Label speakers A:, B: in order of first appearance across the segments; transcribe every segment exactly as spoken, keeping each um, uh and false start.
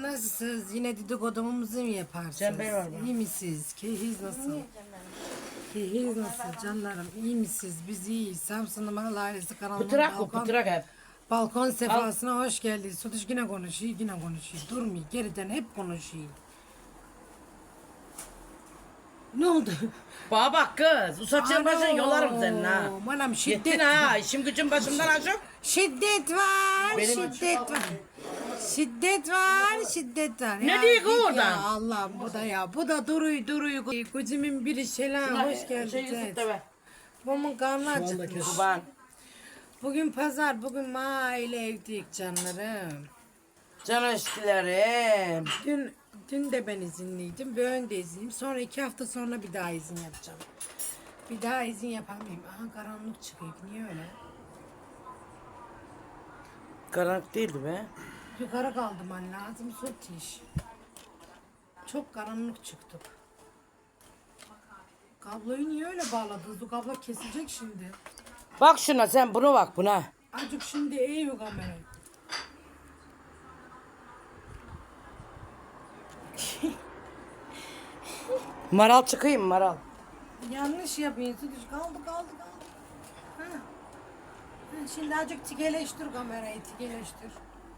A: Nasılsınız? Yine dedikodumuzu mu yaparsınız?
B: Cembe var mı?
A: İyi misiniz? Keyfiniz nasıl? Keyfiniz nasıl canlarım? İyi misiniz? Biz iyiyiz. Samsun'un Mahal Ailesi kanalına
B: Pıtırak bu
A: balkon,
B: pıtırak hep.
A: balkon sefasına hoş geldiniz. Sutuş yine konuşuyor, yine konuşuyor. Durmuyor, geriden hep konuşuyor. Ne oldu?
B: Bana bak kız. Usaçın başın yolarım senin ha.
A: Manam şiddet.
B: Yettin ha. İşim gücüm başımdan aşık.
A: Şiddet var,
B: Benim-
A: şiddet var. Şiddet var, şiddet var.
B: Ne
A: Ya
B: diyor
A: git
B: ki oradan?
A: Ya Allah'ım bu da ya. Bu da duruyor duruyor. Kocimin biri selam, hoş
B: Şey
A: geldiniz.
B: Yusuf da ver.
A: Babamın karnı acıkmış.
B: Kurban.
A: Bugün pazar, bugün aile evdeyik canlarım.
B: Can eskilerim.
A: Dün dün de ben izinliydim, bugün de izinliyim. Sonra iki hafta sonra bir daha izin yapacağım. Bir daha izin yapamayayım. Aha karanlık çıkıyor. Niye öyle?
B: Karanlık değildi be.
A: Yukarı kaldırman lazım Sutiş. Çok karanlık çıktık. Kabloyu niye öyle bağladınız? Bu kablo kesilecek şimdi.
B: Bak şuna sen bunu bak buna.
A: Acık şimdi eğiyor kamerayı.
B: Maral çıkayım maral.
A: Yanlış yapıyorsun Sutiş. Kaldı kaldı kaldı. Ha. Ha, şimdi acık tikeleştir kamerayı tikeleştir.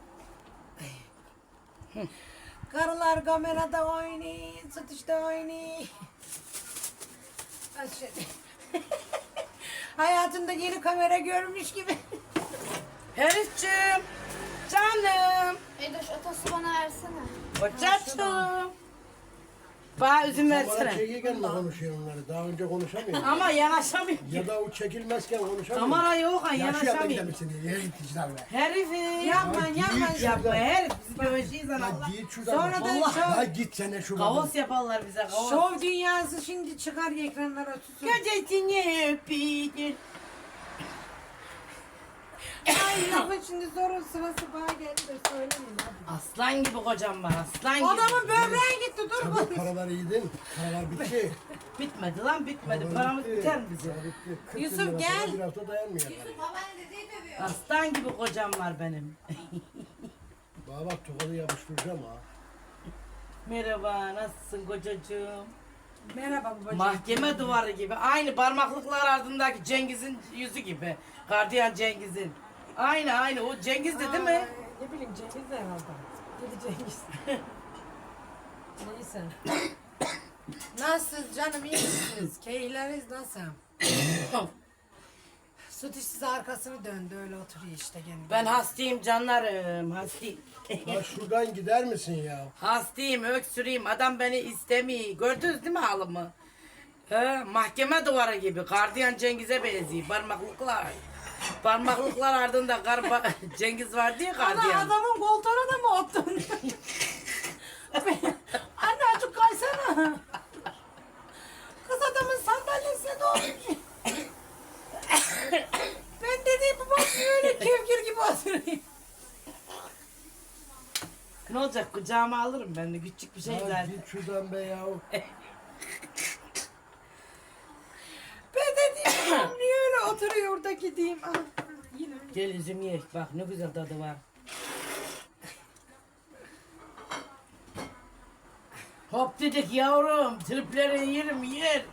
A: Karılar kamerada oynuyor, Sutiş'te oynuyor. Aşağı. Hayatında yeni kamera görmüş gibi.
B: Herifciğim. Canım.
C: Edoş otosu bana versene.
B: Kocacığım. Bana üzüm
D: Bana
B: versene.
D: çekirken mi konuşuyor onları? Daha önce konuşamıyor.
B: Ama yanaşamıyor.
D: Ya da o çekilmezken konuşamıyor.
B: Kamera yok ha
D: Ya şu yanına
B: yanaşamıyor.
D: gidebilirsin diye. Yere gitti işte abi.
B: Herifim.
A: Yapma
D: Ya
A: yapma.
D: git
B: Yapma
D: şuradan.
B: herif. Biz göreceğiz
D: Ya
B: Allah.
D: git şuradan.
A: Sonra da
B: Vallahi.
A: şov,
D: Ya git sen de şuradan.
B: Kavos yaparlar bize kavos.
A: şov dünyası şimdi çıkar ekranlara tutsun.
B: Gecesini öpeyim.
A: Ay lafın şimdi sorun sırası bana geldi de söylemeyin hadi.
B: Aslan gibi kocam var aslan gibi.
A: Adamın böbreği gitti dur
D: Tabii
A: bakayım.
D: paralar yedin. Paralar bitti.
B: Bitmedi lan bitmedi.
D: Paralar
B: Paramız
D: bitti.
B: biter mi bize?
D: Para bitti. kırk
A: Yusuf,
D: bin lira
A: gel.
D: para Bir hafta dayanmıyor. Yani.
C: Babaanne dedeyi dövüyor.
B: Aslan gibi kocam var benim.
D: Bana bak tokadı yapıştıracağım ha.
B: Merhaba nasılsın kocacığım?
A: Merhaba babacığım.
B: Mahkeme duvarı gibi. Aynı parmaklıklar ardındaki Cengiz'in yüzü gibi. Gardiyan Cengiz'in. Aynı aynı o Cengiz'di değil mi?
A: Ay, ne bileyim Cengiz de herhalde. Dedi Cengiz. Neyse. Nasılsınız canım iyi misiniz? Keyifleriniz nasıl? Süt size arkasını döndü öyle oturuyor işte kendi.
B: Ben hastayım canlarım hastayım.
D: Ya şuradan gider misin ya?
B: Hastayım öksüreyim adam beni istemiyor. Gördünüz değil mi halımı? He, mahkeme duvarı gibi. Gardiyan Cengiz'e benziyor. Parmaklıklar. Parmaklıklar ardında garba Cengiz vardı ya
A: Ana
B: gardiyan.
A: adamın koltuğuna da mı ottun? Anne azıcık kaysana. Kız adamın sandalyesine ne olmuş? Ben dediğim bu bak öyle kevgir gibi oturayım.
B: Ne olacak kucağıma alırım ben de küçük bir şey
D: Ya
B: zaten.
D: git şuradan be ya.
A: Ben dediğim bu niye öyle oturuyor orada gideyim. Ah, yine.
B: Gel üzüm ye bak ne güzel tadı var. Hop dedik yavrum tripleri yerim yer.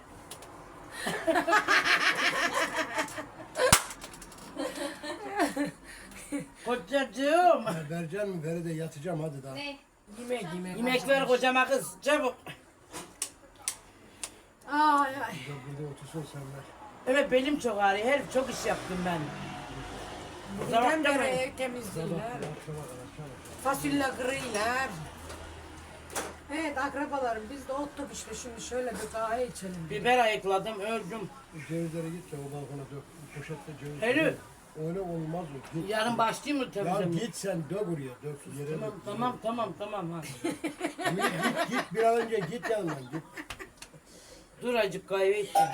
B: Kocacığım.
D: Ya vereceksin mi? Veri de yatacağım hadi daha.
C: Ne?
A: Yemek yemek.
B: Yemek ver kocama kız çabuk.
A: Ay ay.
D: Burada, burada otursun sen ver.
B: Evet belim çok ağrıyor herif çok iş yaptım ben. Kusura
A: Neden beri
B: bakmayın.
A: ev temizliyorlar?
D: Akşama kadar akşama.
A: Fasulye kırıyorlar. Evet akrabalarım biz de ottuk işte şimdi şöyle bir kahve içelim.
B: Biber ayıkladım öldüm.
D: Cevizleri git de o balkona dök. Bu poşette ceviz.
B: Herif.
D: Öyle olmaz o. Git.
B: Yarın başlayayım mı
D: Ya
B: tabii?
D: git sen dök oraya. Dök yere
B: Tamam
D: dök.
B: tamam tamam tamam ha.
D: Yürü, git git bir an önce git yanından git.
B: Dur acık kahve içeceğim.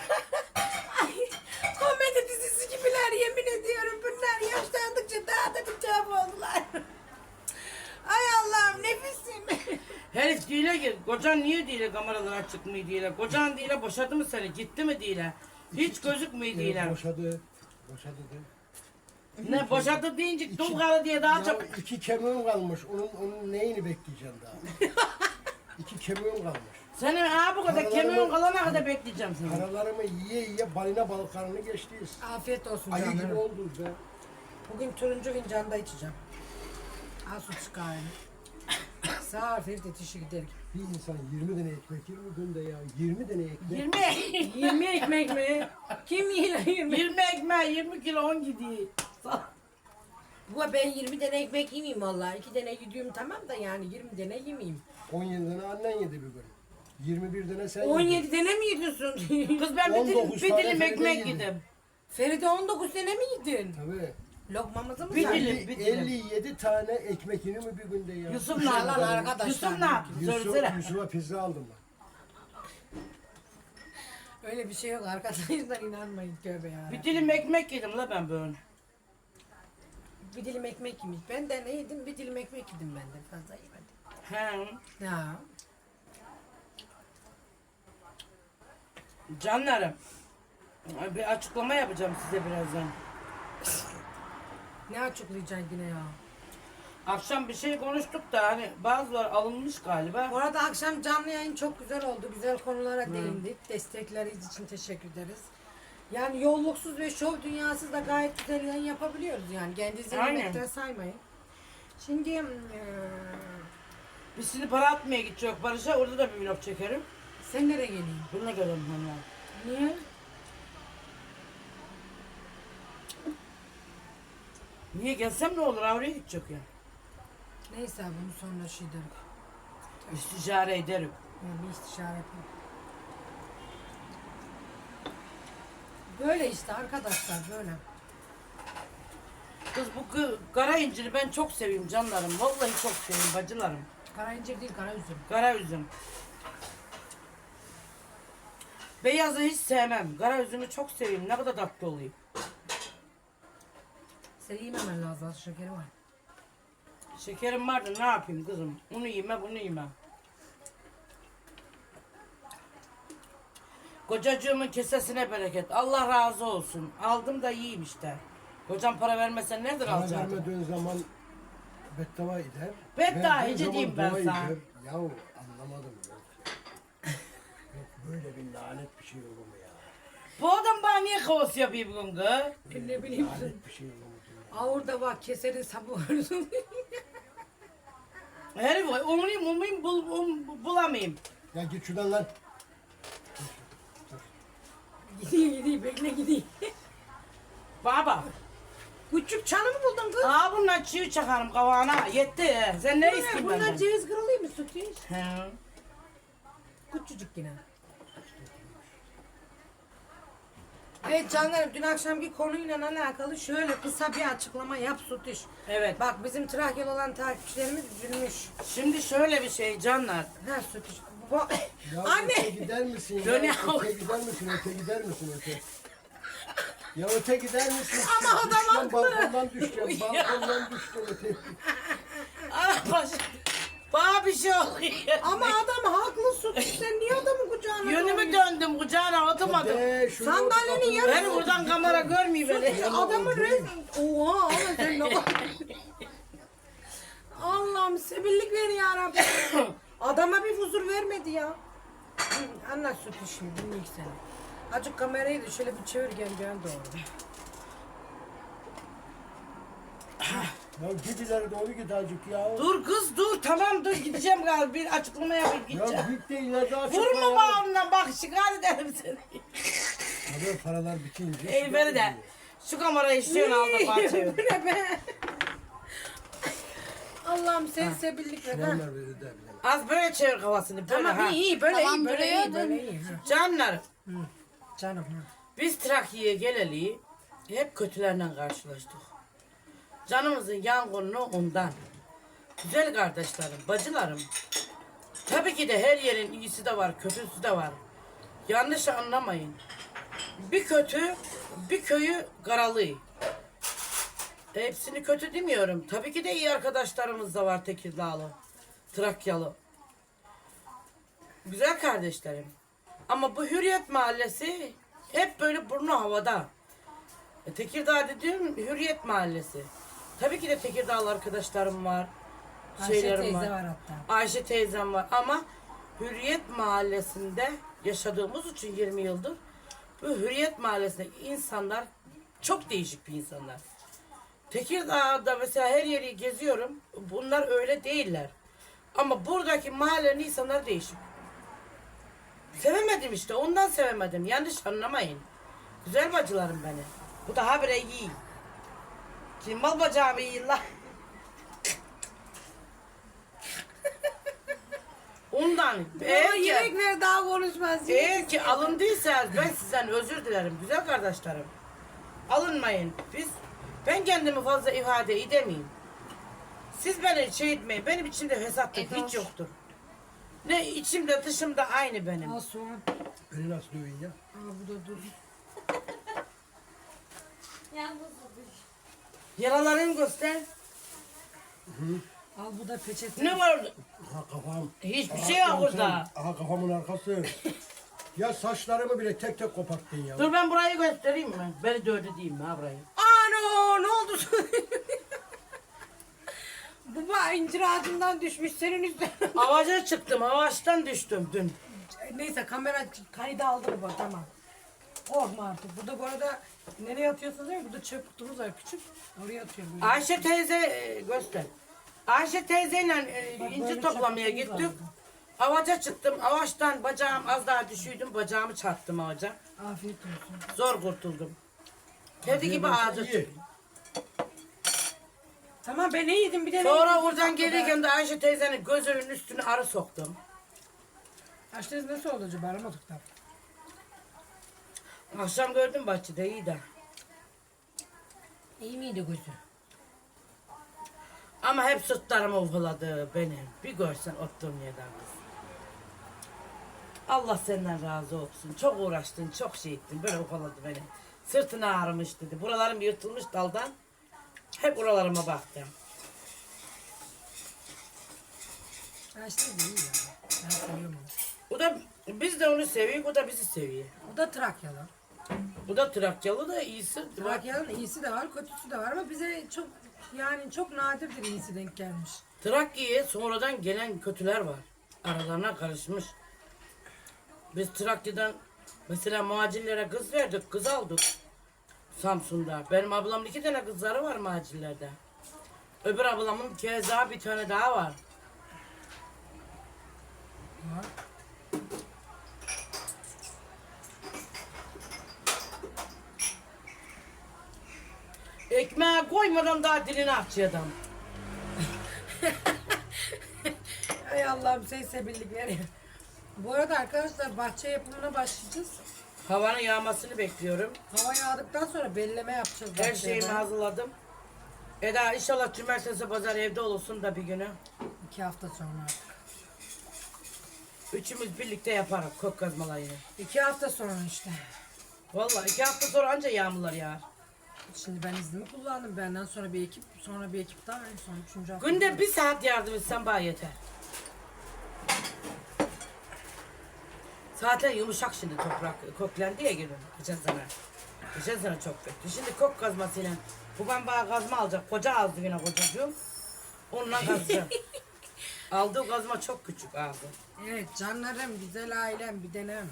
A: Komedi dizisi gibiler yemin ediyorum bunlar yaşlandıkça daha da bir tuhaf oldular. Ay Allah'ım nefisim.
B: Herif değil ki kocan niye değil kameralara çıkmıyor değil. Kocan değil boşadı mı seni gitti mi değil. Hiç gözükmüyor değil.
D: Boşadı. Boşadı de.
B: Ne boşadı deyince dul karı diye daha
D: Ya
B: çok.
D: iki kemiğim kalmış. Onun, onun neyini bekleyeceğim daha? İki kemiğim kalmış.
B: Senin ha bu kadar
D: Paralarımı-
B: kemiğin kalana kadar bekleyeceğim seni.
D: Paralarımı yiye yiye balina balıklarını geçtiyiz.
A: Afiyet olsun
D: Ayı gibi
A: canlarım.
D: olduk be.
A: Bugün turuncu fincanda içeceğim. Al su çıkarını. Sağ ol Ferit yetişi gidelim.
D: Bir insan yirmi tane ekmek yer mi günde ya? yirmi tane ekmek.
B: yirmi.
A: yirmi ekmek mi? Kim yiyor yirmi?
B: yirmi ekmeği yirmi kilo on gidiyor.
A: Bu ben yirmi tane ekmek yemeyeyim vallahi. iki tane gidiyorum tamam da yani yirmi tane yemeyeyim.
D: on yedi tane annen yedi bir gün. yirmi bir tane sen
A: on
D: yedin.
A: yedi tane mi yediyorsun?
B: Kız ben bir dilim,
D: on dokuz
B: bir
D: tane
B: dilim
D: Feride
B: ekmek
D: yedim.
B: yedim.
A: Feride on dokuz tane mi yedin?
D: Tabii.
A: Lokmamızı mı
B: Bir
A: saydın?
B: dilim.
D: elli, elli yedi tane ekmek yenir mi bir günde ya?
B: Yusuf ne
A: Yalan
B: yaptı?
A: arkadaşlar.
B: Yusuf ne yaptı?
D: Yusuf,
B: Söylesene.
D: Yusuf'a pizza aldım ben.
A: Öyle bir şey yok arkadaşlar inanmayın tövbe ya.
B: Bir dilim ekmek yedim la ben böyle.
A: Bir dilim ekmek yemiş. Ben de ne yedim? Bir dilim ekmek yedim ben de. Fazla yemedim.
B: He.
A: Ya.
B: Canlarım. Bir açıklama yapacağım size birazdan.
A: Ne açıklayacaksın yine ya?
B: Akşam bir şey konuştuk da hani bazıları alınmış galiba.
A: Bu arada akşam canlı yayın çok güzel oldu. Güzel konulara değindik. Destekleriniz için teşekkür ederiz. Yani yolluksuz ve şov dünyasız da gayet güzel yayın yapabiliyoruz yani. Kendinizi
B: Aynen.
A: yemekten saymayın. Şimdi eee,
B: Biz şimdi para atmaya gideceğiz Barış'a, orada da bir vlog çekerim.
A: sen nereye geleyim?
B: Bununla gelelim hani.
A: Niye?
B: Niye gelsem ne olur, oraya gidecek ya.
A: Neyse bunu sonra şey derim.
B: İstişare ederim.
A: Yani bir istişare yapayım. Böyle işte arkadaşlar böyle.
B: Kız bu gı- kara inciri ben çok seviyorum canlarım. Vallahi çok seviyorum bacılarım.
A: Kara incir değil kara üzüm.
B: Kara üzüm. Beyazı hiç sevmem. Kara üzümü çok seviyorum. Ne kadar tatlı oluyor.
A: Seni yememen lazım az şekeri var.
B: Şekerim vardı, ne yapayım kızım? Onu yeme, bunu yeme. Kocacığımın kesesine bereket. Allah razı olsun. Aldım da yiyeyim işte. Kocam para vermesen nereden
D: Para
B: alacaktım?
D: vermediğin zaman beddua eder.
B: Beddua
D: Verdiğin
B: ece
D: zaman
B: diyeyim ben
D: dua
B: sana.
D: eder. Yahu anlamadım yok ya. Yok böyle bir lanet bir şey olur mu ya?
B: Bu adam bana niye kavus yapıyor bugün kız?
A: Ben ne bileyim.
D: Lanet bir şey olur mu? ya?
A: Aa orada var keserin sabı var.
B: Herif umayım umayım bul, um, bulamayayım.
D: Ya git şuradan lan.
A: Gideyim gideyim bekle gideyim.
B: Baba.
A: Küçük çanı mı buldun kız?
B: Aa bundan çiğ çakarım kavağına. Yetti. he. Sen ne istiyorsun
A: Bunlar
B: benden?
A: ceviz kırılıyor mu sütü?
B: He.
A: Küçücük yine. Evet canlarım dün akşamki konuyla alakalı şöyle kısa bir açıklama yap Sütüş.
B: Evet.
A: Bak bizim Trakyalı olan takipçilerimiz üzülmüş.
B: Şimdi şöyle bir şey canlar.
A: Ha Sütüş. Bu...
D: Ya öte
A: Anne!
D: gider misin ya?
B: Dön ya.
D: Öte gider misin? Öte gider misin? Öte. Ya öte gider misin?
A: Ama adam
D: Düşeceğim,
A: haklı.
D: balkondan düşeceğim. Balkondan düşeceğim öte.
B: Ah baş. Bana bir şey oluyor.
A: Ama adam haklı Sütüş. Sen niye adamın kucağına
B: Yönümü döndüm kucağına oturmadım.
D: De, şunu
A: Sandalyenin
D: kapının
A: yarısı-
B: Beni buradan kamera görmüyor beni.
A: Ya adamın resmi... Oha ama sen ne Allah'ım sebillik ver ya Rabbim. Adama bir huzur vermedi ya. Hı, Anlat Sütü şimdi dinleyik seni. Azıcık kamerayı da şöyle bir çevir gel gel doğru.
D: Ya git ileri doğru git azıcık ya.
B: Dur kız dur, tamam dur, gideceğim galiba, bir açıklama yapıp
D: Ya
B: gideceğim.
D: git de ileride açık.
B: Vurma bağımdan bak, şikayet ederim seni.
D: Tabii paralar bitince.
B: Ey beni de şu kamerayı istiyorsun aldı bana çevir.
A: Bu ne be? Allah'ım sen sebillik ver. ha.
D: Onlar verir de bilemem.
B: Az böyle çevir kafasını böyle
A: Tamam
B: ha.
A: iyi iyi böyle
C: Tamam,
A: iyi böyle
C: buraya
A: iyi böyle
C: dön.
A: iyi. ha.
B: Canlar,
A: Canım ha.
B: biz Trakya'ya geleli hep kötülerle karşılaştık. Canımızın yangını ondan. Güzel kardeşlerim, bacılarım. Tabii ki de her yerin iyisi de var, kötüsü de var. Yanlış anlamayın. Bir kötü, bir köyü karalıyor. Hepsini kötü demiyorum. Tabii ki de iyi arkadaşlarımız da var Tekirdağlı, Trakyalı. Güzel kardeşlerim. Ama bu Hürriyet Mahallesi hep böyle burnu havada. E, Tekirdağ dediğim Hürriyet Mahallesi. Tabii ki de Tekirdağlı arkadaşlarım var.
A: Ayşe
B: Şeylerim
A: teyze
B: var.
A: var hatta.
B: Ayşe teyzem var ama Hürriyet Mahallesi'nde yaşadığımız için yirmi yıldır bu Hürriyet Mahallesi'ndeki insanlar çok değişik bir insanlar. Tekirdağ'da mesela her yeri geziyorum. Bunlar öyle değiller. Ama buradaki mahallenin insanlar değişik. Sevemedim işte. Ondan sevemedim. Yanlış anlamayın. Güzel bacılarım beni. Bu da habire iyi. Şimdi mal bacağımı yiyin la. Ondan.
A: Ama
B: Eğer ki,
A: yemekler daha konuşmaz.
B: eğer ki alındıysanız ben sizden özür dilerim güzel kardeşlerim. Alınmayın. Biz ben kendimi fazla ifade edemeyim. Siz beni şey etmeyin. Benim içimde fesatlık
C: Edoş.
B: hiç yoktur. Ne içimde dışımda aynı benim.
A: Al soğan.
D: Beni nasıl dövün ya?
A: Al bu da dur.
C: Yalnız
B: Yaralarını göster.
A: Al bu da peçete.
B: Ne var orada?
D: Aha kafam.
B: Hiçbir
D: Aha,
B: şey yok
D: sen-
B: orada.
D: Aha kafamın arkası. Ya saçlarımı bile tek tek koparttın ya.
B: Dur ben burayı göstereyim mi? Beni dövdü diyeyim mi ha burayı?
A: Ano ne oldu? Baba incir ağacından düşmüş senin üstüne.
B: Avaca çıktım. Avaçtan düştüm dün.
A: Neyse kamera kaydı aldı bu tamam. Korkma artık. Burada bu arada nereye atıyorsunuz değil mi? Burada çöp kutumuz var küçük. Oraya atıyor böyle.
B: Ayşe teyze e, göster. Ayşe teyzeyle e,
A: Bak,
B: incir
A: böyle
B: toplamaya
A: çöpümüz
B: gittik.
A: vardı.
B: Avaca çıktım. Avaçtan bacağım az daha düşüydüm. Bacağımı çarptım avaca.
A: Afiyet olsun.
B: Zor kurtuldum. Kedi gibi
D: Afiyet olsun,
B: ağaca
D: iyi.
B: çıktım.
A: Tamam ben ne yedim bir de ne
B: Sonra
A: yedim?
B: oradan gelirken de Ayşe teyzenin gözünün üstüne arı soktum.
A: Açtınız nasıl oldu acaba? Aramadık da.
B: Akşam gördüm bahçede iyi de.
A: İyi miydi gözü?
B: Ama hep sırtlarımı ufaladı benim. Bir görsen oturduğum yerden kız. Allah senden razı olsun. Çok uğraştın, çok şey ettin. Böyle ufaladı beni. Sırtına ağrımış dedi. Buralarım yırtılmış daldan. Hep oralarıma baktım.
A: Açtınız iyi ya. Ben seviyorum onu.
B: O da biz de onu seviyoruz, o da bizi seviyor.
A: O da Trakyalı.
B: Bu da Trakyalı da iyisi.
A: Trakya'nın iyisi de var, kötüsü de var ama bize çok yani çok nadirdir iyisi denk gelmiş.
B: Trakya'ya sonradan gelen kötüler var. Aralarına karışmış. Biz Trakya'dan mesela muhacirlere kız verdik, kız aldık. Samsun'da. Benim ablamın iki tane kızları var muhacirlerde. Öbür ablamın keza bir tane daha var.
A: Var.
B: Ekmeğe koymadan daha dilini açıyor adam.
A: Ay Allah'ım sen sebillik ver. Bu arada arkadaşlar bahçe yapımına başlayacağız.
B: Havanın yağmasını bekliyorum.
A: Hava yağdıktan sonra belleme yapacağız.
B: Her
A: bahçede.
B: şeyimi hazırladım. Eda inşallah cumartesi pazar evde olursun da bir günü.
A: İki hafta sonra artık.
B: Üçümüz birlikte yaparız kök kazmalayını.
A: İki hafta sonra işte.
B: Vallahi iki hafta sonra anca yağmurlar yağar.
A: Şimdi ben iznimi kullandım. Benden sonra bir ekip, sonra bir ekip daha en son üçüncü hafta.
B: Günde bir saat yardım etsen bana yeter. Zaten yumuşak şimdi toprak köklendi ya gülüm. Geçen sene. Geçen sene çok kötü. Şimdi kök kazmasıyla bu ben bana kazma alacak. Koca aldı yine kocacığım. Onunla kazacağım. Aldığı kazma çok küçük aldı.
A: Evet canlarım, güzel ailem, bir denem.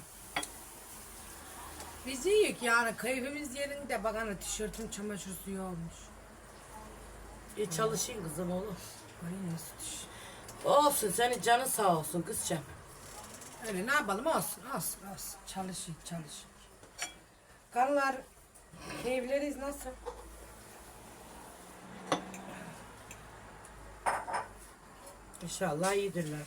A: Biz iyiyiz yani keyfimiz yerinde. Bakana tişörtüm çamaşır suyu olmuş.
B: E çalışayım kızım oğlum.
A: Ay nasıl tiş.
B: Olsun senin canın sağ olsun kızcağım.
A: Öyle ne yapalım olsun olsun olsun. Çalışın çalışın. Karılar keyifleriz nasıl?
B: İnşallah iyidirler.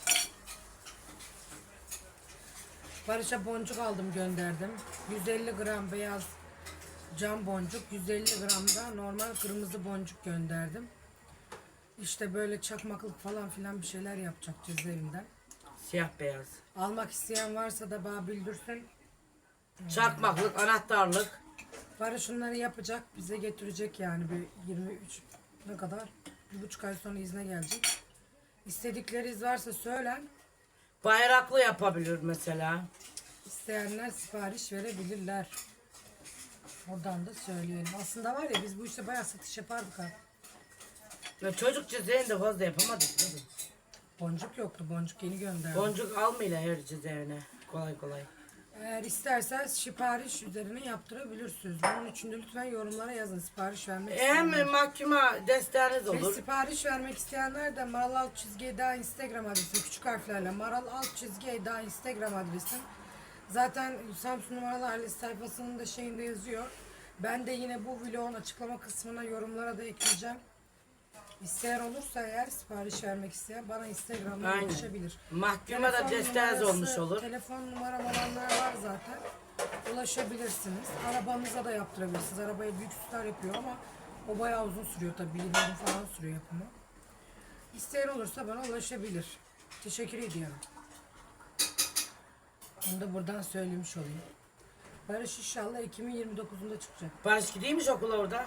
A: Barış'a boncuk aldım gönderdim. yüz elli gram beyaz cam boncuk, yüz elli gram da normal kırmızı boncuk gönderdim. İşte böyle çakmaklık falan filan bir şeyler yapacak cezaevinden.
B: Siyah beyaz.
A: Almak isteyen varsa da bana bildirsin.
B: Çakmaklık, anahtarlık.
A: Barış şunları yapacak, bize getirecek yani bir yirmi üç ne kadar? Bir buçuk ay sonra izne gelecek. İstedikleriniz varsa söylen.
B: Bayraklı yapabilir mesela.
A: İsteyenler sipariş verebilirler. Oradan da söyleyelim. Aslında var ya biz bu işte bayağı satış yapardık ha.
B: Ya çocuk cezaevinde de fazla yapamadık kızım.
A: Boncuk yoktu. Boncuk yeni gönderdi.
B: Boncuk almayla her cezaevine. Kolay kolay.
A: Eğer isterseniz sipariş üzerine yaptırabilirsiniz. Bunun için de lütfen yorumlara yazın. Sipariş vermek
B: Hem
A: isteyenler.
B: mahkuma desteğiniz
A: Ve
B: olur.
A: sipariş vermek isteyenler de Maral alt çizgi Eda Instagram adresi küçük harflerle Maral alt çizgi Eda Instagram adresim. Zaten Samsun numaralı ailesi sayfasının da şeyinde yazıyor. Ben de yine bu vlogun açıklama kısmına yorumlara da ekleyeceğim. İsteyen olursa eğer sipariş vermek isteyen bana Instagram'dan
B: Aynen.
A: ulaşabilir.
B: Mahkuma da
A: Telefon
B: desteğiniz
A: numarası-
B: olmuş olur.
A: Telefon numaram olanlar var zaten. Ulaşabilirsiniz. Arabanıza da yaptırabilirsiniz. Arabayı büyük süsler yapıyor ama o bayağı uzun sürüyor tabii. yirmi gün falan sürüyor yapımı. İsteyen olursa bana ulaşabilir. Teşekkür ediyorum. Onu da buradan söylemiş olayım. Barış inşallah Ekim'in yirmi dokuzunda çıkacak.
B: Barış gideymiş okula orada.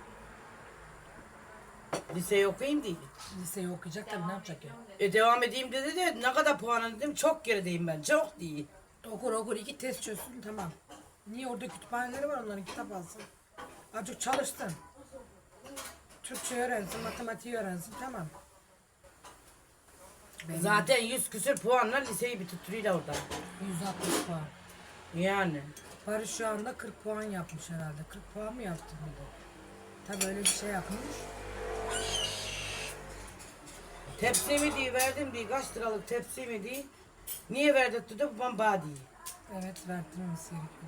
B: Liseyi okuyayım diye.
A: Liseyi okuyacak tabii ne yapacak ya?
B: E devam edeyim dedi de ne kadar puanı dedim çok gerideyim ben çok değil.
A: Okur okur iki test çözsün tamam. Niye orada kütüphaneleri var onların kitap alsın. Azıcık çalışsın. Türkçe öğrensin, matematiği öğrensin tamam. Benim
B: Zaten yüz küsür puanla liseyi bitirtiyor orada.
A: yüz altmış puan.
B: Yani.
A: Barış şu anda kırk puan yapmış herhalde. kırk puan mı yaptı burada? Tabii öyle bir şey yapmış.
B: Tepsi mi diye verdim diye kaç liralık tepsi mi diye. Niye verdirtti de babam bana diye.
A: Evet verdirmemiz gerekiyor.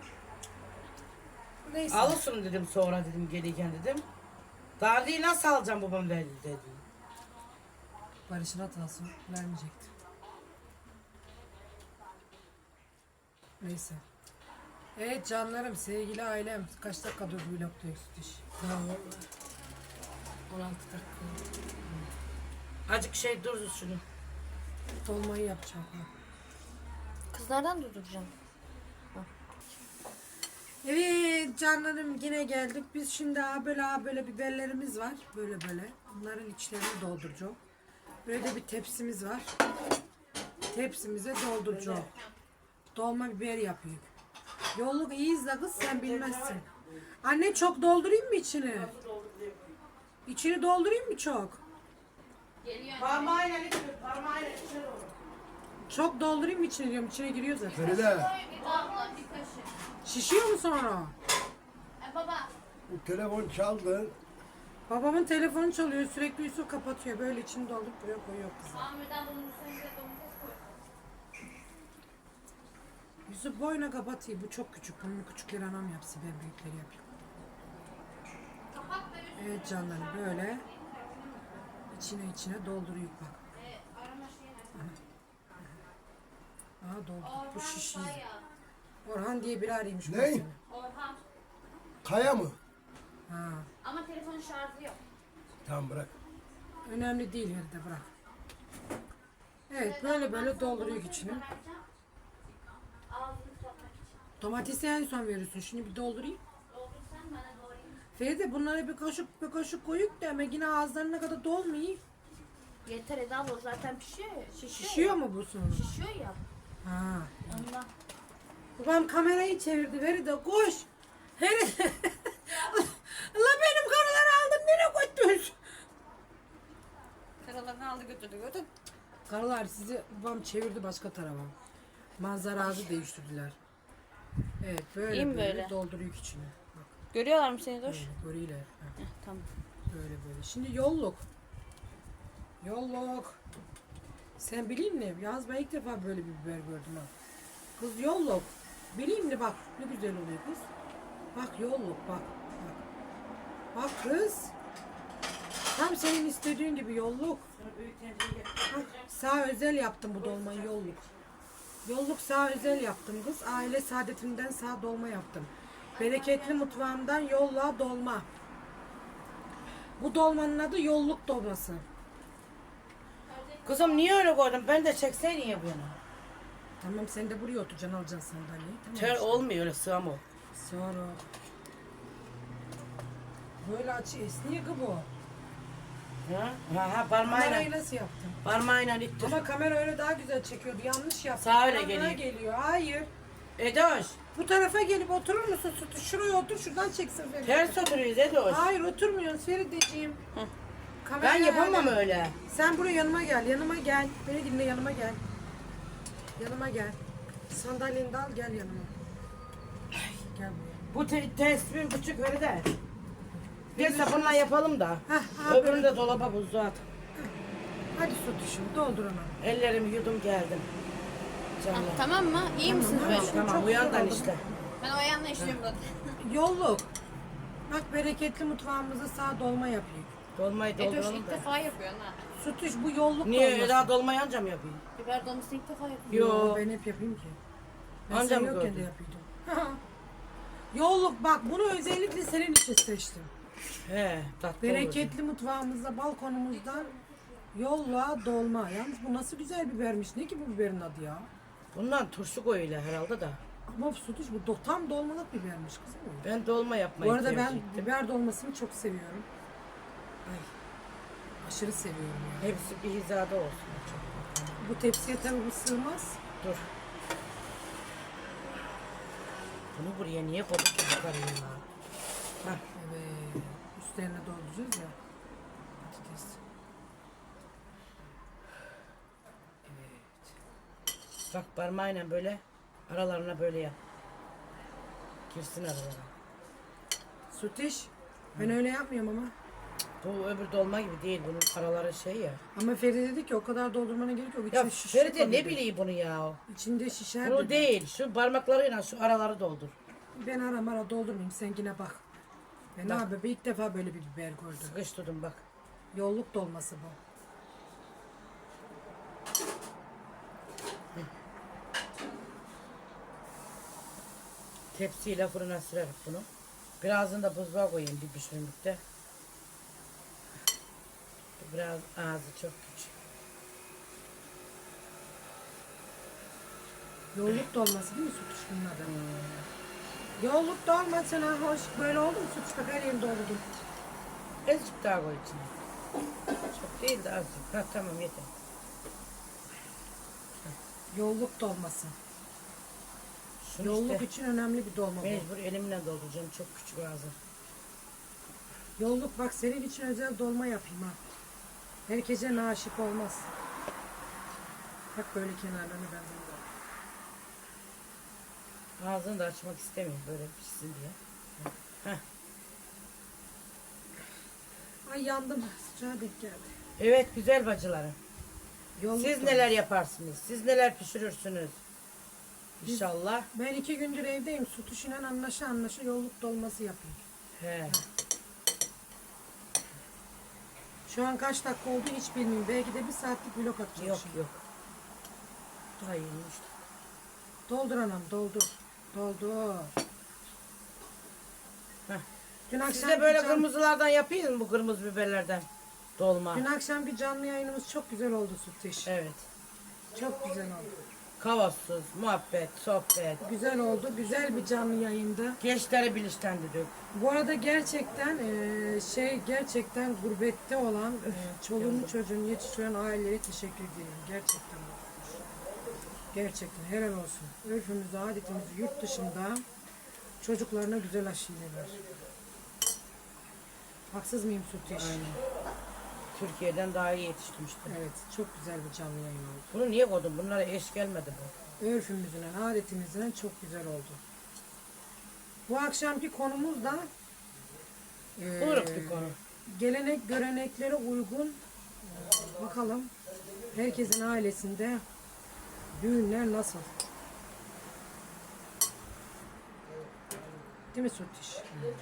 A: Neyse.
B: Alırsın dedim sonra dedim gelirken dedim. Daha değil nasıl alacağım babam verdi dedi.
A: Barış'ın hatası vermeyecekti. Neyse. Evet canlarım, sevgili ailem. Kaç dakikadır vlogda iş? on altı dakika.
B: Azıcık şey dur şunu.
A: Dolmayı yapacağım. ha.
C: Kızlardan durduracağım.
A: Evet canlarım yine geldik. Biz şimdi ha böyle ha böyle biberlerimiz var. Böyle böyle. Bunların içlerini dolduracağım. Böyle de bir tepsimiz var. Tepsimize dolduracağım. Dolma biber yapıyor. Yolluk iyi izle kız sen bilmezsin. Anne çok doldurayım mı içini? İçini doldurayım mı çok?
B: Parmağıyla içir, parmağıyla içir onu.
A: Çok doldurayım mı içine diyorum. İçine giriyor zaten.
D: Feride,
C: Abla bir kaşık.
A: Şişiyor mu sonra?
C: E baba.
D: bu telefon çaldı.
A: Babamın telefonu çalıyor. Sürekli Yusuf kapatıyor. Böyle içini doldurup buraya koyuyor kızım.
C: Amirden bunun üstüne bir de domates koy.
A: Yusuf boyuna kapatıyor. Bu çok küçük. Bunu küçükleri anam yapsın. Ben büyükleri yapayım.
C: Kapat da üstüne
A: Evet canlarım böyle. İçine içine dolduruyor bak.
C: arama şeyine.
A: Aha doldurduk. Bu şişiyi.
C: Bayağı.
A: Orhan diye biri arıyormuş.
D: Ne?
A: mesela.
C: Orhan.
D: Kaya mı?
A: Ha.
C: Ama telefonun şarjı yok.
D: Tamam bırak.
A: Önemli değil yerde bırak. Evet böyle böyle dolduruyor içine.
C: Ağzını kapatmak için.
A: Domatesi en son veriyorsun. Şimdi bir doldurayım.
C: Doldursan bana doğrayayım.
A: Feride bunlara bir kaşık bir kaşık koyup da ama yine ağızlarına kadar dolmuyor.
C: Yeter Eda abla zaten pişiyor ya. Şişiyor,
A: Şişiyor mu bu sonra?
C: ya. Şişiyor ya.
A: Ha.
C: Ondan.
A: Babam kamerayı çevirdi. Feride koş. Feride. Allah benim karıları aldım. Nereye götür?
C: Karalarını aldı götürdü götür.
A: Karılar sizi babam çevirdi başka tarafa. Manzara ağzı değiştirdiler. Evet böyle
C: İyi mi
A: böyle,
C: böyle?
A: dolduruyor içine. Bak
C: Görüyorlar mı seni dur?
A: böyle görüyorlar. Ha,
C: Tamam.
A: böyle böyle. Şimdi yolluk. Yolluk. Sen bileyim mi? Yalnız ben ilk defa böyle bir biber gördüm ha. Kız yolluk. Bileyim mi bak ne güzel oluyor kız. Bak yolluk bak. Bak, bak kız. Tam senin istediğin gibi yolluk. Bak, sağ özel yaptım bu dolmayı yolluk. Yolluk sağ özel yaptım kız. Aile saadetimden sağ dolma yaptım. Bereketli mutfağımdan yolla dolma. Bu dolmanın adı yolluk dolması.
B: Kızım niye öyle koydun? Ben de çekseydin ya bunu.
A: Tamam sen de buraya oturacaksın alacaksın sandalyeyi. Tamam
B: Ter
A: işte.
B: olmuyor öyle sığam o.
A: Sonra. Böyle açı esniyor ki bu.
B: Ha? Ha, ha parmağıyla.
A: Kamerayı nasıl yaptın?
B: Parmağıyla ittir.
A: Ama kamera öyle daha güzel çekiyordu. Yanlış yaptın.
B: Sağ öyle
A: Yanına
B: geliyor.
A: geliyor. Hayır.
B: Edoş.
A: Bu tarafa gelip oturur musun Sütü? Şuraya otur, şuradan çeksin Feride.
B: Ters oturuyoruz Edoş.
A: Hayır oturmuyorsun Feride'ciğim.
B: Ben
A: Kameraya
B: yapamam
A: yani.
B: öyle.
A: Sen buraya yanıma gel, yanıma gel. Beni dinle, yanıma gel. Yanıma gel. Sandalyeni de al, gel yanıma. Gel buraya.
B: Bu te tespih küçük öyle de. Neyse bununla yapalım da.
A: Heh, abi.
B: Öbürünü de dolaba buzluğa at.
A: Hadi Sütüş'üm, doldur onu.
B: Ellerimi yudum geldim.
C: Ah,
B: Canım.
C: tamam mı? İyi misiniz
A: Tamam,
C: böyle?
A: tamam.
B: Tamam
A: Çok
B: uyandan
A: güzel oldu.
B: işte.
C: Ben o yanına işliyorum zaten.
A: Yolluk. Bak bereketli mutfağımıza sağ dolma yapayım.
B: Dolmayı
C: Edoş
B: dolduralım
C: ilk
B: da.
C: defa yapıyorsun ha.
A: Sütüş bu yolluk
B: Niye
A: dolması.
B: Eda dolmayı anca mı yapayım?
C: Biber dolmasını ilk defa yapıyorum.
B: Yo.
A: Ben hep yapayım ki. Ben
B: Anca
A: sen
B: mı
A: yokken de
B: gördün?
A: yapıyordum. Yolluk bak bunu özellikle senin için seçtim.
B: He tatlı
A: Bereketli mutfağımızda balkonumuzda yolla dolma. Yalnız bu nasıl güzel bibermiş. Ne ki bu biberin adı ya?
B: olur. Bundan turşu koyuyla herhalde da.
A: Ama Sütüş bu do- tam dolmalık bibermiş kızım.
B: Ben dolma yapmayı
A: Bu arada ben
B: tercih ettim.
A: biber dolmasını çok seviyorum. Ay. Aşırı seviyorum ya.
B: Hepsi bir hizada olsun.
A: Bu tepsiye tabii bu sığmaz.
B: Dur. Bunu buraya niye koyduk ki yukarıya ya? Hah.
A: Evet. Üstlerine dolduracağız ya. Patates.
B: Bak parmağıyla böyle aralarına böyle yap. Girsin aralara.
A: Sütüş. Ben öyle yapmıyorum ama.
B: Bu öbür dolma gibi değil. Bunun araları şey ya.
A: Ama Feride dedi ki o kadar doldurmana gerek yok.
B: Ya
A: İçine şişir
B: Feride ne
A: dedi.
B: bileyim bunu ya.
A: İçinde şişer
B: Bunu
A: dedi.
B: değil. Şu parmaklarıyla şu araları doldur.
A: Ben ara mara doldurmayayım. Sen yine bak. Ben
B: Bak.
A: abi ilk defa böyle bir biber gördüm.
B: Sıkıştırdım bak.
A: Yolluk dolması bu.
B: Tepsiyle fırına sürerim bunu. Birazını da buzluğa koyayım bir pişirimlikte. Biraz ağzı çok küçük.
A: Yolluk dolması değil mi Sütüş bunun adı? Yolluk dolmasına hoş. Böyle oldu mu Sütüş? Bak her yerini doldurdum.
B: Azıcık daha koy içine. Çok değil de azıcık. Ha tamam yeter.
A: Yolluk dolması.
B: Şunu
A: Yolluk
B: işte
A: için önemli bir dolma bu.
B: mecbur elimle dolduracağım. Çok küçük ağzı.
A: Yolluk bak senin için özel dolma yapayım ha. Herkese naşip olmaz. Bak böyle kenarlarını ben böyle.
B: Ağzını da açmak istemiyorum böyle pişsin diye. Heh.
A: Ay yandım. Sıcağa denk geldi.
B: Evet güzel bacılarım.
A: Yolluk
B: Siz
A: dolması.
B: neler yaparsınız? Siz neler pişirirsiniz? İnşallah.
A: Ben iki gündür evdeyim. Sütüşüyle anlaşa anlaşa yolluk dolması yapayım.
B: He.
A: Şu an kaç dakika oldu hiç bilmiyorum. Belki de bir saatlik vlog atacağım
B: Yok
A: şimdi.
B: yok. Daha iyiymiş.
A: Doldur anam doldur. Doldur.
B: Heh.
A: Dün akşam
B: Siz de böyle kırmızılardan yapayım mı bu kırmızı biberlerden? Dolma.
A: Dün akşamki canlı yayınımız çok güzel oldu Sütüş.
B: Evet.
A: Çok güzel oldu.
B: Kavasız, muhabbet, sohbet.
A: Güzel oldu. Güzel bir canlı yayında.
B: Gençleri bilinçlendirdik.
A: Bu arada gerçekten eee, şey gerçekten gurbette olan eee, çoluğunu çocuğunu yetiştiren ailelere teşekkür ediyorum. Gerçekten. Gerçekten helal olsun. Örfümüzü, adetimizi yurt dışında çocuklarına güzel aşileler. Haksız mıyım Sütüş?
B: Türkiye'den daha iyi yetiştirmiştim.
A: Evet, çok güzel bir canlı yayın oldu.
B: Bunu niye koydun? Bunlara eş gelmedi bu.
A: Örfümüzden, adetimizden çok güzel oldu. Bu akşamki konumuz da eee,
B: Uğrak bir konu.
A: gelenek göreneklere uygun e, bakalım herkesin ailesinde düğünler nasıl? Değil mi Sütüş?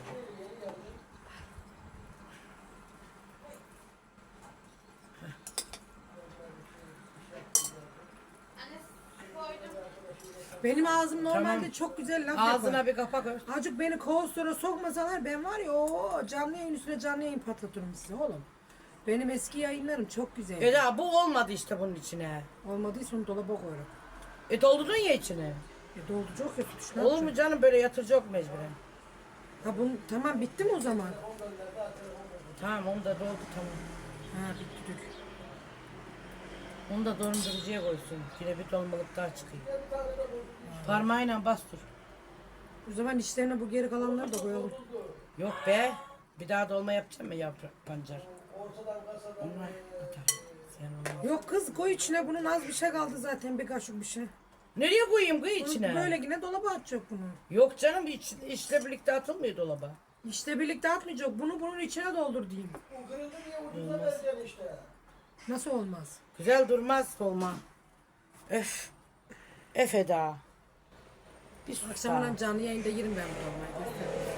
A: Benim ağzım normalde
B: Tamam.
A: çok güzel laf
B: Ağzına
A: yapar.
B: bir kapak ör.
A: Azıcık beni kovstora sokmasalar ben var ya o canlı yayın üstüne canlı yayın patlatırım size oğlum. Benim eski yayınlarım çok güzel.
B: Eda bu olmadı işte bunun içine.
A: Olmadıysa onu dolaba koyarım.
B: E doldurdun ya içine.
A: E dolduracak ya tutuş ne
B: Olur mu
A: yapacak?
B: canım böyle yatıracak mecburen.
A: Ha bunu tamam bitti mi o zaman?
B: Tamam onu da doldu tamam.
A: Ha bitti dök.
B: Onu da dondurucuya koysun. Yine bir dolmalık daha çıkıyor. Parmağıyla bastır.
A: O zaman içlerine bu geri kalanları da koyalım.
B: Yok be. Bir daha dolma yapacağım mı yaprak pancar? Onlar atarım. Sen olmaz.
A: Yok kız koy içine, bunun az bir şey kaldı zaten, bir kaşık bir şey.
B: Nereye koyayım kız içine?
A: Böyle yine dolaba atacak bunu.
B: Yok canım iç, içle birlikte atılmıyor dolaba.
A: İşte birlikte atmayacak. Bunu bunun içine doldur diyeyim.
D: O kırıldı diye ucuza vereceksin işte.
A: Nasıl olmaz?
B: Güzel durmaz dolma. Öf. Öf Eda. Bir sus
A: Akşamdan
B: daha.
A: canlı yayında yerim ben bu dolmayı.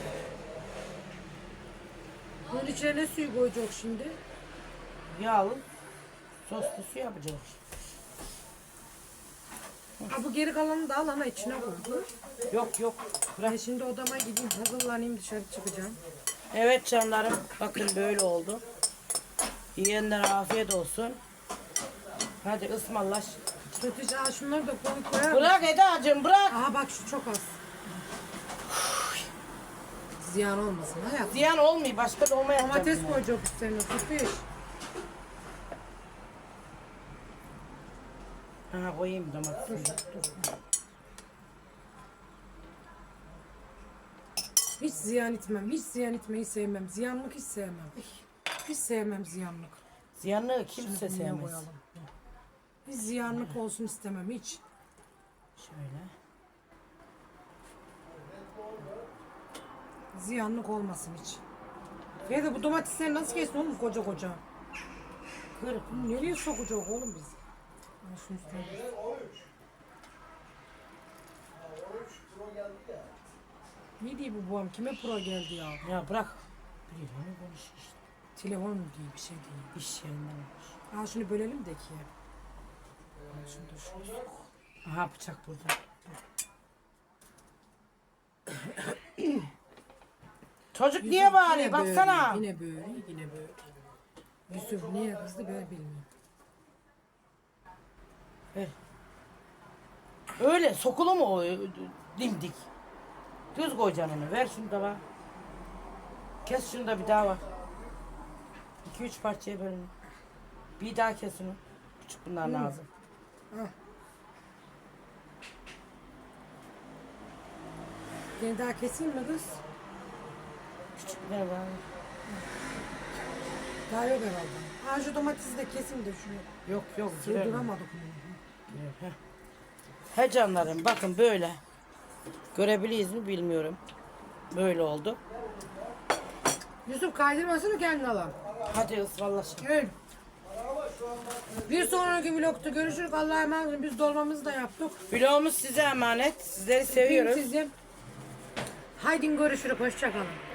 A: Bunun içine ne suyu koyacak şimdi?
B: Yağlı soslu su yapacağız.
A: Ha bu geri kalanı da al ana içine koy.
B: Yok yok.
A: Ben şimdi odama gideyim, hazırlanayım, dışarı çıkacağım.
B: Evet canlarım. Bakın böyle oldu. Yiyenlere afiyet olsun. Hadi ısmarlaş.
A: Kötüce aa şunları da koy koyar.
B: Bırak Eda'cığım bırak.
A: Aha bak şu çok az. Ziyan olmasın hayat.
B: Ziyan olmuyor. Başka dolma yapacağım.
A: Domates
B: yine.
A: koyacak üstlerine, tutuyor.
B: Ha koyayım domatesi.
A: Hiç ziyan etmem, hiç ziyan etmeyi sevmem. Ziyanlık hiç sevmem. Hiç sevmem ziyanlık.
B: Ziyanlığı kimse
A: Şunu buraya
B: sevmez.
A: koyalım. Hiç ziyanlık olsun istemem hiç.
B: Şöyle.
A: Ziyanlık olmasın hiç. Feride bu domatesleri nasıl kestin oğlum koca koca?
B: Kır.
A: Bunu nereye sokacak oğlum biz? Al şunu üstüne. Ne diyor bu babam? Kime pro geldi ya?
B: Ya bırak. Biriyle konuşuyor işte.
A: Telefon mu diye bir şey değil.
B: İş yerinden olmuş.
A: Al şunu bölelim de ki. Al şunu da şuraya.
B: Aha bıçak burada. Çocuk niye
A: Yine
B: bağırıyor?
A: böyle,
B: Baksana.
A: Yine böyle, yine böyle. Yusuf niye kızdı ben bilmiyorum.
B: Ver. Öyle sokulu mu o dimdik? Düz koyacaksın onu. Ver şunu da var. Kes şunu da bir daha var. İki üç parçaya bölün. Bir daha kes onu. Küçük bunlar lazım.
A: Al. Seni daha keseyim mi kız?
B: Küçük bunlar var.
A: Daha yok herhalde. Ha şu domatesi de keseyim de şunu.
B: Yok yok. güzel.
A: Sığdıramadık bunu.
B: Heh. He canlarım bakın böyle. Görebiliyiz mi bilmiyorum. Böyle oldu.
A: Yusuf kaydırmasını kendin alalım.
B: Hadi ısmarlaşın.
A: Evet. Bir sonraki vlogda görüşürüz. Allah'a emanet olun. Biz dolmamızı da yaptık.
B: Vlogumuz size emanet. Sizleri seviyoruz.
A: Öpeyim sizi. Haydi görüşürüz. Hoşça kalın.